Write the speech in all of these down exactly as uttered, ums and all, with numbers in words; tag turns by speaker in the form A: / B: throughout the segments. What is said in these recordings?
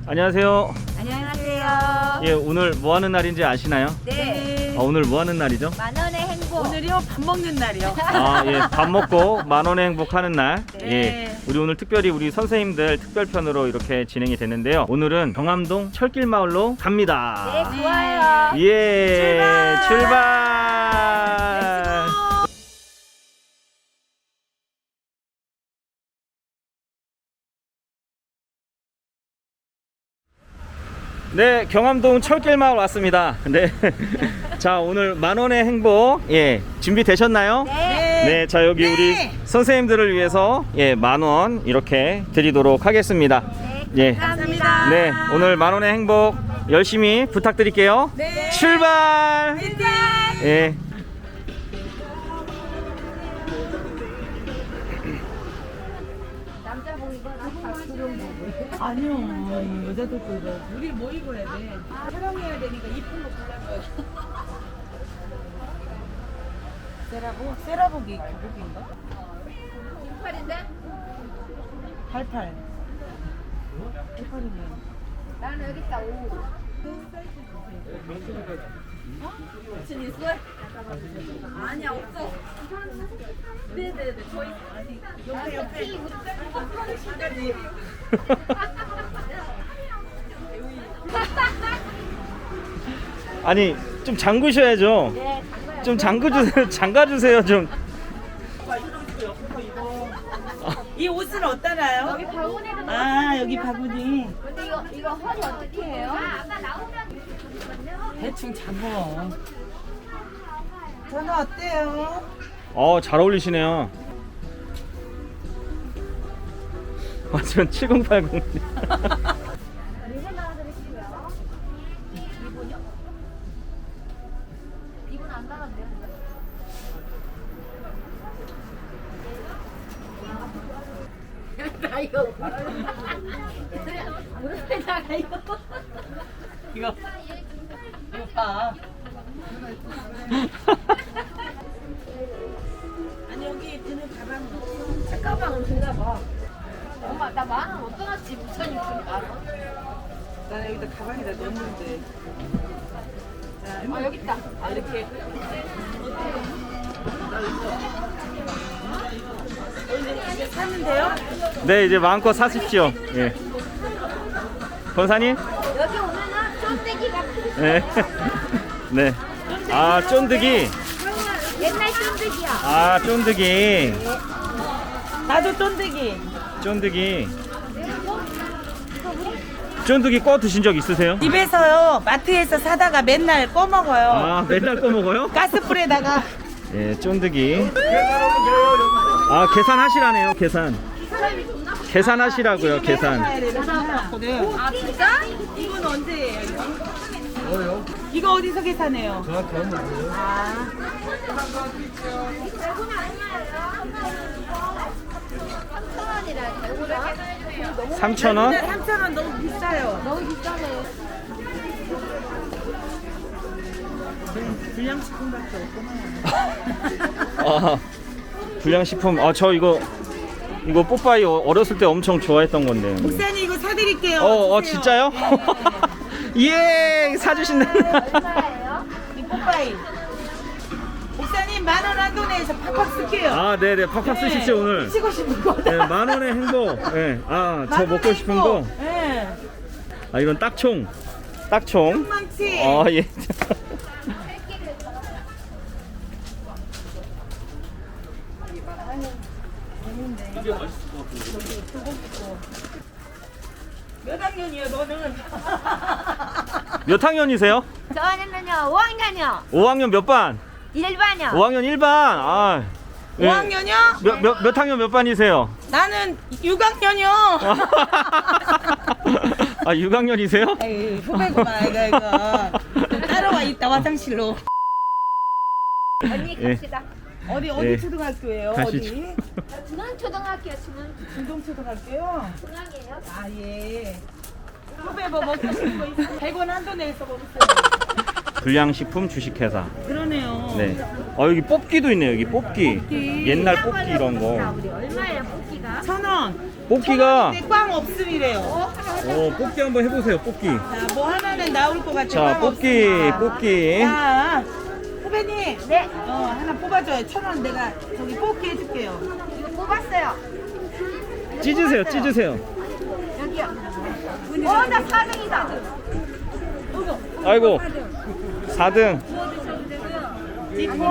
A: 안녕하세요.
B: 안녕하세요.
A: 예, 오늘 뭐 하는 날인지 아시나요?
B: 네.
A: 아, 오늘 뭐 하는 날이죠?
B: 만원의 행복.
C: 오늘이요 밥 먹는 날이요.
A: 아, 예, 밥 먹고 만 원의 행복하는 날.
C: 네.
A: 예, 우리 오늘 특별히 우리 선생님들 특별편으로 이렇게 진행이 됐는데요. 오늘은 경암동 철길 마을로 갑니다.
B: 네, 좋아요.
A: 예,
C: 출발!
A: 출발. 네, 경암동 철길 마을 왔습니다. 네. 자, 오늘 만 원의 행복, 예, 준비되셨나요?
B: 네.
A: 네, 자, 여기
C: 네.
A: 우리 선생님들을 위해서, 예, 만 원 이렇게 드리도록 하겠습니다.
B: 네,
A: 예.
B: 감사합니다.
A: 네, 오늘 만 원의 행복 열심히 부탁드릴게요.
C: 네.
A: 출발! 예.
C: 아니요 여자들도 이거 우리 뭐 입어야 돼? 촬영해야 되니까 이쁜 거 골라줘야 돼. 세라복? 세라복이 교복인가?
B: 팔인데?
C: 팔팔. 팔팔이네.
B: 나는 여기 있다. 오. 무슨 있어? 아니야, 없어. 네네네. 저희
C: 옆에 옆에.
A: 아니, 좀 잠그셔야죠.
B: 네,
A: 좀 잠그주세요. 잠가주세요, 좀.
C: 이 옷은 어떠나요?
B: 여기 바구니도 넣어.
C: 아 여기 바구니.
B: 근데 이거 이거 허리 어떻게 해요? 아까 나오면
C: 대충 잡어. 저는 어때요?
A: 어, 잘 어울리시네요. 완전 칠공팔공.
B: 이분 안 나갔네요. 나 이거 무릎에 나가 이거.
C: 이거 이거 봐. 아니 여기 드는 가방.
B: 책가방은 들나 봐. 엄마 나 만원 어떤 왔지 부처님 좀 알아?
C: 나 여기다 가방에다 넣었는데. 자,
B: 아 여기 있다.
C: 아, 이렇게. 이제 사면 돼요?
A: 네, 이제 마음껏 사십시오. 예. 권사님?
B: 여기 오면은 쫀대기가 큰
A: 네. 네. 아, 쫀득이.
B: 옛날 쫀대기야.
A: 아, 쫀득이.
C: 나도 쫀득이.
A: 쫀득이. 쫀득이 꺼 드신 적 있으세요?
C: 집에서요 마트에서 사다가 맨날 꺼 먹어요.
A: 아, 맨날 꺼 먹어요?
C: 가스불에다가.
A: 예, 쫀득이. 아, 계산하시라네요, 계산. 계산하시라고요, 계산.
B: 아 진짜?
C: 이건 언제예요? 이거? 이거 어디서 계산해요? 아.
B: 삼천 원이라 대구라.
A: 삼천 원?
C: 삼천 원 너무 비싸요.
B: 너무 비싸네.
C: 불량식품밖에 없구나.
A: 아, 불량식품. 아, 저 이거 이거 뽀빠이 어- 어렸을 때 엄청 좋아했던 건데.
C: 목사님 이거 사드릴게요.
A: 어, 어,
C: 드세요.
A: 진짜요? 예, 사주신다.
B: 얼마예요?
C: 이 뽀빠이. 목사님 만 원 한도 내에서 팍팍 쓸게요.
A: 아, 네, 네, 팍팍 쓰십시오, 오늘.
C: 치고 싶은 거.
A: 네, 만 원의 행복. 예. 아, 저 먹고 싶은 거.
C: 예.
A: 아, 이건 딱총. 딱총.
C: 망치.
A: 아, 예.
C: 몇 학년이야 너는?
A: 몇 학년이세요?
B: 저는요 오 학년이요.
A: 오 학년 몇 반?
B: 일 반이요.
A: 오 학년 일 반. 아. 예.
C: 오 학년이요?
A: 몇, 몇, 몇 학년 몇 반이세요?
C: 나는 육 학년이요.
A: 아, 육 학년이세요?
C: 에이, 후배구만 이거 이거. 따라와 있다 화장실로.
B: 언니
A: 예.
B: 갑시다.
C: 어디 어디
A: 예.
C: 초등학교예요?
A: 가시죠.
C: 어디?
B: 중앙초등학교요 중앙.
C: 중동초등학교요?
B: 중앙이에요.
C: 아 예. 후배 뭐 먹고 싶은 거 있어? 백 원 한도 내서 먹었어요.
A: 불량식품 주식회사.
C: 그러네요.
A: 네. 어 여기 뽑기도 있네요. 여기 뽑기.
C: 뽑기.
A: 옛날 뽑기 이런 거.
B: 우리 얼마예요 뽑기가?
C: 천 원.
A: 뽑기가.
C: 근데 꽝 없음이래요.
A: 어 뽑기 한번 해보세요. 뽑기.
C: 자, 뭐 하나는 나올 것 같아.
A: 자
C: 꽝
A: 뽑기
C: 없음.
A: 뽑기.
C: 자, 후배님.
B: 네.
C: 어, 하나 뽑아줘요. 천 원 내가 저기 뽑기 해줄게요.
B: 이거 뽑았어요.
A: 찢으세요. 찢으세요.
B: 여기요. 어나 사 등이다.
A: 아이고 사 등.
C: 띠뽀.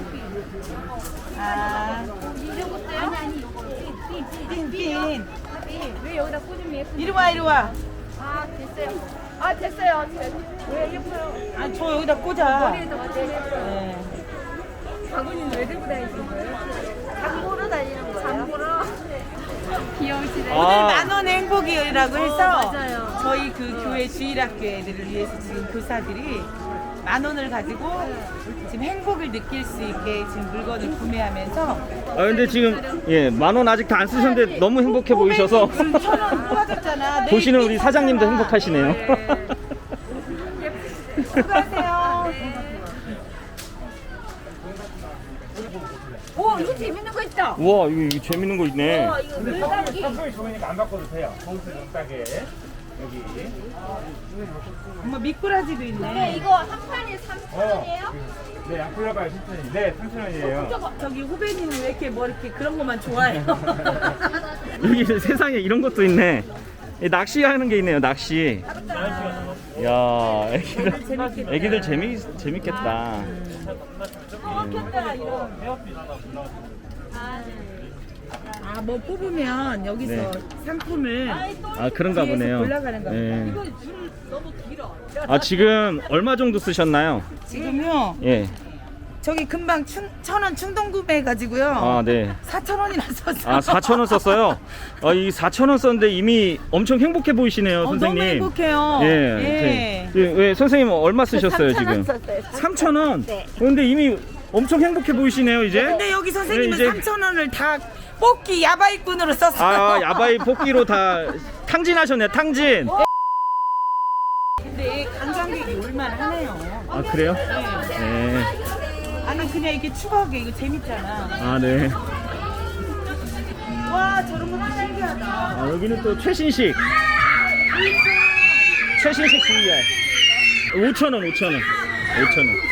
C: 아,
B: 아니 아니 요거
C: 핀핀.
B: 왜 여기다 꽂으면 예쁘?
C: 이리 와, 이리 와.
B: 아 됐어요. 아 됐어요. 왜 예뻐요?
C: 아, 저 여기다 꽂아.
B: 머리에도 완전 예뻐요.
C: 네.
B: 바구니는 왜 들고 다니시는 거예요? 장 보러 다니는 거예요? 장 보러. 귀여우시네.
A: 아.
C: 오늘 만원 행복이라고 해서
B: 어, 맞아요.
C: 저희 그 교회 주일학교 애들을 위해서 지금 교사들이 만 원을 가지고 지금 행복을 느낄 수 있게 지금 물건을 구매하면서
A: 아 근데 지금 예 만 원 아직 다 안 쓰셨는데 너무 행복해 보이셔서
C: 천원 뽑아줬잖아. 내일
A: 보시는 우리
C: 삐
A: 사장님도
C: 사잖아.
A: 행복하시네요.
C: 수고하세요.
B: 오 이거 재밌는 거 있다.
A: 우와 이거, 이거 재밌는 거 있네.
B: 와 이거 물감기.
D: 상품이 좋으니까 안 바꿔도 돼요. 거기서 좀 싸게. 여기.
C: 엄마 미꾸라지도
B: 네
C: 있네.
B: 이거 한 판에 삼천 원이에요?
D: 네, 양풀려봐요, 삼천 원이. 네, 삼천 원이에요.
C: 저기 후배님은 왜 이렇게 뭐 이렇게 그런 것만 좋아해요?
A: 여기 세상에 이런 것도 있네. 이 낚시하는 게 있네요. 낚시. 야 애기들 애기들 재미 재밌겠다.
C: 아, 뭐 뽑으면 여기서
A: 네.
C: 상품을
A: 아 그런가
C: 뒤에서
A: 보네요.
C: 골라가는 겁니다.
A: 예.
C: 이거 줄 너무 길어.
A: 아 지금 얼마 정도 쓰셨나요?
C: 지금요.
A: 예.
C: 저기 금방 천 원 충동 구매해가지고요.
A: 아 네.
C: 사천 원이나 썼어요.
A: 아 사천 원 썼어요. 아, 이 사천 원 썼는데 이미 엄청 행복해 보이시네요,
C: 어,
A: 선생님.
C: 너무 행복해요.
A: 예.
C: 예.
A: 네. 예, 왜 선생님 얼마 쓰셨어요 지금?
B: 썼어요.
A: 삼천 원.
B: 네.
A: 그런데 이미 엄청 행복해 보이시네요 이제.
C: 근데 여기 선생님은
A: 네, 이제-
C: 삼천 원을 다 뽑기 야바이꾼으로 썼어요.
A: 아 야바이 뽑기로 다 탕진하셨네 탕진.
C: 근데 관광객이 올만하네요.
A: 아 그래요? 네.
C: 아니 그냥 이게 추억이 이거 재밌잖아.
A: 아 네.
C: 와 저런 것도 신기하다.
A: 아, 여기는 또 최신식. 최신식 브이알. 오천 원, 오천 원. 오천 원.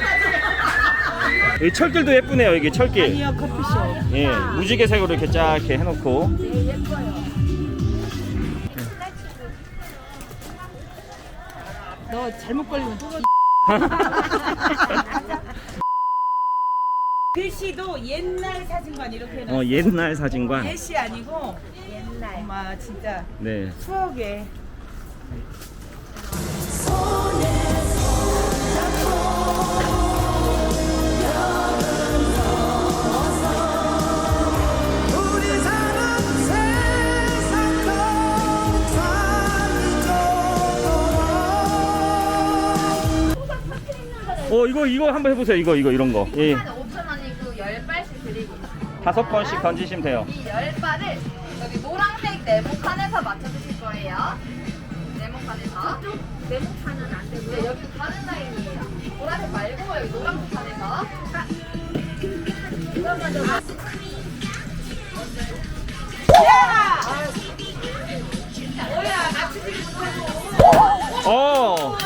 A: 여기 철길도 예쁘네요. 여기 철길.
C: 아니요 커피숍.
A: 예, 무지개색으로 이렇게 쫙 이렇게 해놓고.
C: 너 잘못 걸리면 또 글씨도 옛날 사진관 이렇게 해놨어.
A: 어, 옛날 사진관.
C: 예시 아니고
B: 옛날.
C: 엄마 진짜
A: 네.
C: 추억에.
A: 어, 이거 이거 한번 해보세요. 이거 이거 이런 거. 예,
B: 한 오천 원이고 열 발씩 드리고
A: 다섯 번씩 던지시면 돼요.
B: 이 열 발을 여기 노란색 네모칸에서 맞춰주실 거예요. 네모칸에서. 네모칸은 안 되고요. 네, 여기 다른 라인이에요. 보라색 말고 여기 노란색 칸에서. 자. 그러면 뭐야? 맞추지 못하고.
A: 어.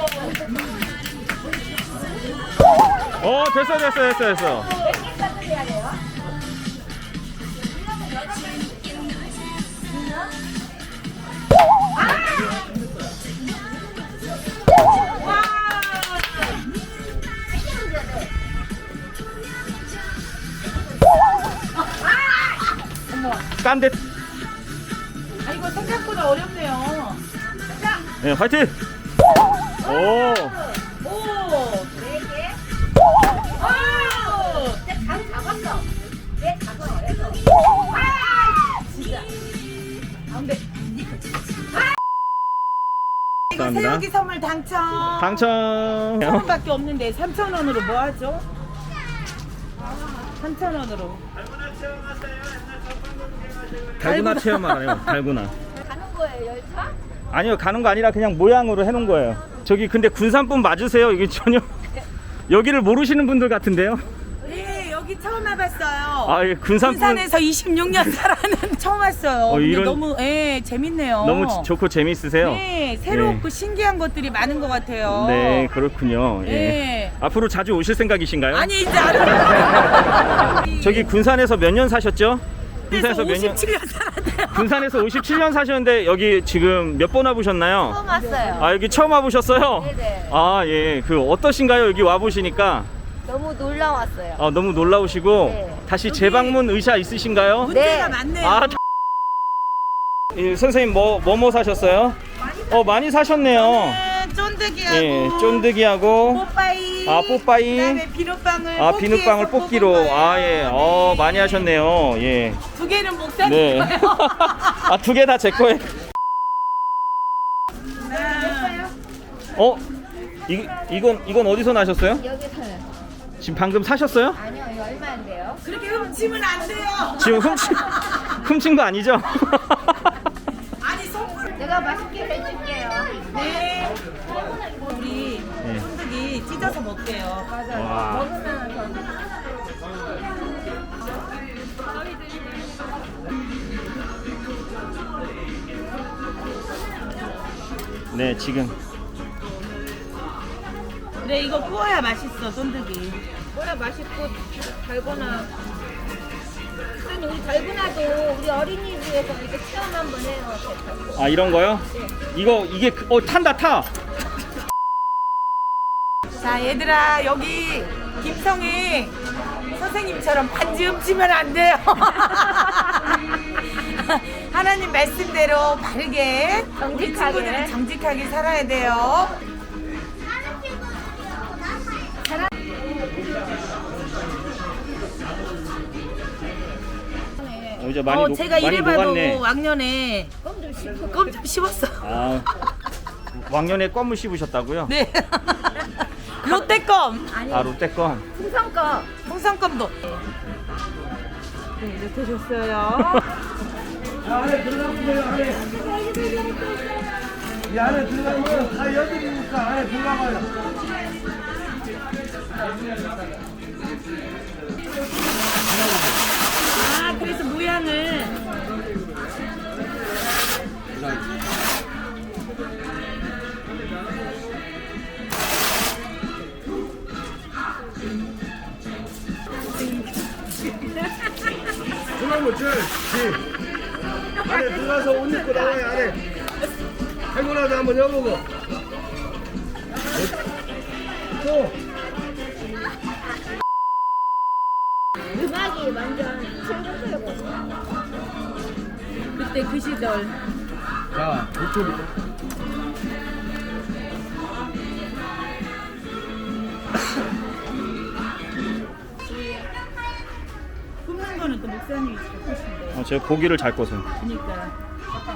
A: 어, 됐어, 됐어, 됐어, 됐어.
B: 몇 개까지 해야 돼요?
A: 깐데.
C: 아 이거 생각보다 어렵네요.
A: 네, 화이팅. 오.
C: 오.
B: 네 개.
C: 오.
B: 진짜 감 잡았어. 내 작은 어려서. 진짜.
C: 가운데. 이거
A: 감사합니다.
C: 새우기 선물 당첨.
A: 당첨.
C: 천 원밖에 없는데 삼천 원으로 뭐 하죠? 삼천 원으로.
A: 달고나 체험하래요. 달고나.
B: 가는 거예요, 열차?
A: 아니요, 가는 거 아니라 그냥 모양으로 해놓은 거예요. 저기 근데 군산분 맞으세요? 이게 전혀 여기를 모르시는 분들 같은데요?
C: 네, 여기 처음 와봤어요.
A: 아, 예, 군산분
C: 군산에서 이십육 년 살아는 처음 왔어요.
A: 어,
C: 근데
A: 이런-
C: 너무 예, 재밌네요.
A: 너무 지- 좋고 재미있으세요?
C: 네, 새롭고
A: 네.
C: 신기한 것들이 많은 것 같아요.
A: 네, 그렇군요. 예.
C: 네.
A: 앞으로 자주 오실 생각이신가요?
C: 아니 이제 안
A: 저기 군산에서 몇 년 사셨죠? 군산에서 몇 년?
C: 오십칠 년 살았대요.
A: 군산에서 오십칠 년 사셨는데 여기 지금 몇 번 와보셨나요?
B: 처음 왔어요.
A: 아, 여기 처음 와보셨어요?
B: 네네.
A: 아, 예. 그 어떠신가요? 여기 와보시니까
B: 너무 놀라웠어요.
A: 아, 너무 놀라우시고
B: 네.
A: 다시 재방문 의사 있으신가요?
C: 문제가
B: 네.
C: 많네요.
A: 아, 예, 선생님 뭐 뭐 뭐 사셨어요? 어, 많이 사셨네요.
C: 네, 쫀득이하고
A: 예, 쫀득이하고
C: 뽀빠이.
A: 아, 뽀빠이.
C: 그다음에 비눗방울.
A: 아,
C: 뽑기에서
A: 비눗방울 뽑기로.
C: 뽑은 거예요.
A: 아, 예. 어,
C: 네,
A: 많이
C: 네.
A: 하셨네요. 예.
C: 두 개는 목사님
A: 네.
C: 거예요.
A: 아, 두 개 다 제 거예요. 어? 이, 이건 이건 어디서 나셨어요?
B: 여기서는
A: 지금 방금 사셨어요?
B: 아니요, 이거 얼마인데요?
C: 그렇게 훔치면 안 돼요.
A: 지금 훔친 훔친 거 아니죠?
C: 아니 선물.
B: 내가 맛있게 해줄게요.
C: 네. 우리
A: 네.
C: 쫀득이 찢어서 먹게요.
B: 맞아요.
A: 와.
B: 먹으면 더.
A: 네, 지금
C: 그래 이거 구워야 맛있어 쫀득이.
B: 뭐야 맛있고 달고나. 선생님 우리 달고나도 우리 어린이집에서 이렇게 체험 한번 해요.
A: 아, 이런 거요? 이거 이게 그- 어 탄다 타.
C: 자 얘들아 여기 김성희 선생님처럼 반지 훔치면 안 돼요. 하나님 말씀대로 바르게 우리
B: 정직하게.
C: 친구들은 정직하게 살아야 돼요.
A: 어, 이제 많이
C: 어,
A: 녹,
C: 제가
A: 많이
C: 이래봐도
A: 녹았네.
C: 왕년에 껌 좀 씹었어.
A: 아, 왕년에 껌을 씹으셨다고요?
C: 네. 롯데껌.
A: 아, 롯데 껌.
B: 풍선거.
C: 홍삼껌도. 네, 이렇게 줬어요.
D: 이 안에 들어가면 다 여드리니까 안에 들어가봐요.
C: 아, 그래서 모양을.
D: 그러면 저, 지 안에 들어가서 옷 입고 나와요 안에. 할머니도 한번 여보고. 또.
B: 음악이 완전 층층거리고.
C: 그때 그 시절.
D: 자, 이쪽.
C: 굽는 거는 또 목사님이 잘 하신대.
A: 어, 제가 고기를 잘 꺼서.
C: 그러니까.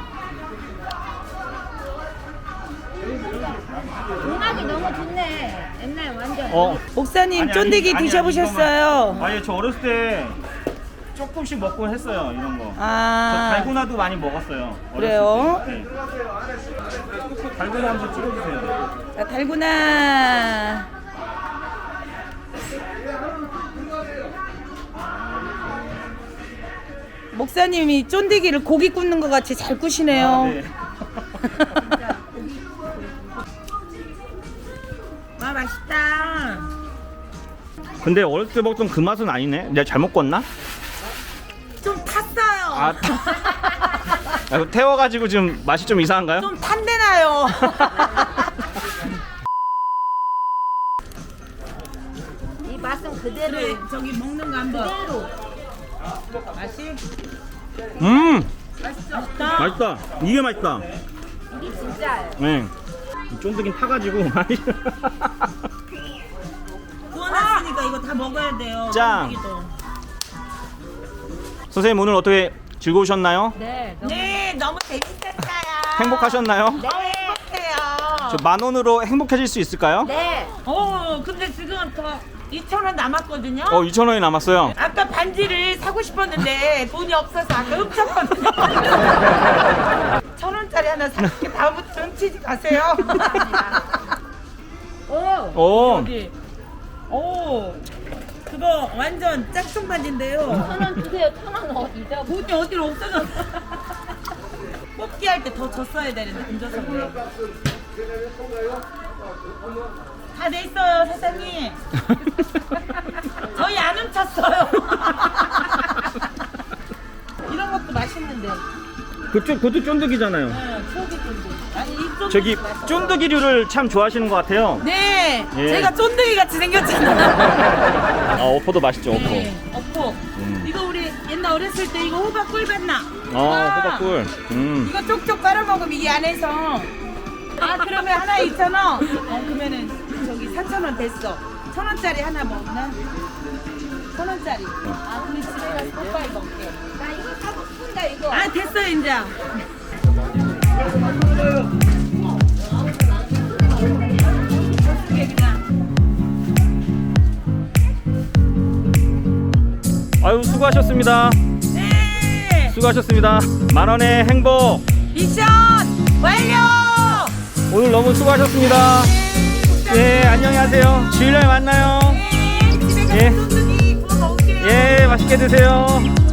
B: 음악이 너무 좋네. 옛날 완전.
A: 어.
C: 목사님
A: 아니,
C: 쫀득이
A: 아니, 아니,
C: 드셔보셨어요?
A: 아니, 아니, 저 어렸을 때 조금씩 먹곤 했어요, 이런 거. 저
C: 아,
A: 달고나도 많이 먹었어요. 어렸을
C: 그래요?
A: 때. 네. 달고나 한번 찍어주세요.
C: 자, 달고나. 목사님이 쫀득이를 고기 굽는 것 같이 잘 구시네요.
A: 아, 네.
C: 와 맛있다.
A: 근데 어렸을 때 먹던 그 맛은 아니네. 내가 잘못 껐나?
C: 좀 탔어요.
A: 아, 아, 이거 태워가지고 지금 맛이 좀 이상한가요?
C: 좀 탄데나요.
B: 이 맛은 그대로.
C: 그래 저기 먹는 거 한번. 그대로. 맛이
A: 음,
C: 맛있다.
A: 맛있다. 이게 맛있다.
B: 이게 진짜예요.
A: 네. 이 쫀득이 타가지고
C: 구워놨으니까 이거 다 먹어야 돼요.
A: 짱.
C: 쫀득이도.
A: 선생님 오늘 어떻게 즐거우셨나요?
B: 네. 너무
C: 네 너무 재밌었어요.
A: 행복하셨나요?
B: 네.
C: 행복해요.
A: 저 만 원으로 행복해질 수 있을까요?
B: 네.
C: 어 근데 지금 더 이천 원 남았거든요.
A: 어, 이천 원이 남았어요.
C: 아까 반지를 사고 싶었는데 돈이 없어서 아까 훔쳤거든요. 천 원짜리 하나 살게. 다음부터 훔치지 마세요. 어.
A: 오.
C: 여기. 오. 그거 완전 짝퉁 반지인데요.
B: 천 원 주세요. 천 원 어디죠?
C: 돈이 어디로 없어졌어. 뽑기 할 때 더 줬어야 되는데 돈 줬어 그래. 다 돼 있어요 사장님. 저희 안 훔쳤어요. 이런 것도 맛있는데.
A: 그쪽 그것도 쫀득이잖아요.
C: 네, 초기 쫀득. 아니 이 쫀득.
A: 저기
C: 맛있어요.
A: 쫀득이류를 참 좋아하시는 것 같아요.
C: 네,
A: 예.
C: 제가 쫀득이 같이 생겼잖아.
A: 아, 어포도 맛있죠, 어포.
C: 네, 어포.
A: 음.
C: 이거 우리 옛날 어렸을 때 이거 호박꿀 봤나?
A: 아, 호박꿀. 음.
C: 이거 쪽쪽 빨아 먹으면 이 안에서. 아 그러면 하나 이천 원. 어 그러면은 저기 삼천 원 됐어. 천 원짜리 하나 먹나? 천 원짜리. 아 그럼 집에 가서 뽀빠이 먹게.
B: 나 이거 사고 싶은데 이거.
C: 아 됐어 이제.
A: 아유, 수고하셨습니다.
C: 네.
A: 수고하셨습니다. 만 원의 행복.
C: 미션 완료.
A: 오늘 너무 수고하셨습니다. 예, 안녕히 하세요. 주일날 만나요.
C: 네, 집에 가서
A: 예.
C: 쫀득이 구워 먹을게요.
A: 예, 맛있게 드세요.